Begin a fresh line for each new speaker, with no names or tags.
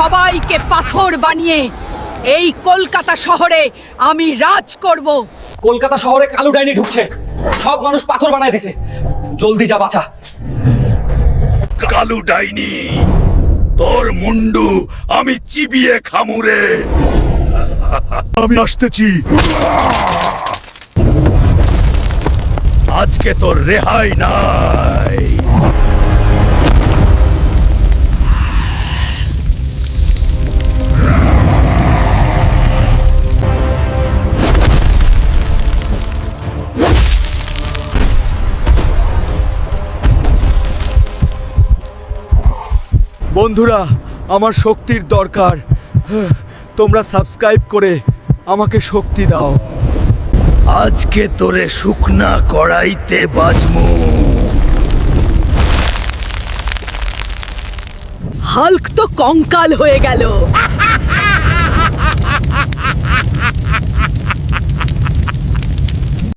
সবাইকে পাথর বানিয়ে এই কলকাতা শহরে আমি রাজ করব।
কলকাতা শহরে কালো ডাইনি ঢুকছে, সব মানুষ পাথর বানায় দিছে। জলদি যা বাঁচা।
কালু ডাইনি, তোর মুন্ডু আমি চিবিয়ে খামুরে। আমি আসতেছি। আজকে তোর রেহাই নাই।
বন্ধুরা, আমার শক্তির দরকার। তোমরা সাবস্ক্রাইব করে আমাকে শক্তি দাও।
আজকে তোরে শুকনা কড়াইতে বাজমু।
হাল্ক তো কঙ্কাল হয়ে গেল।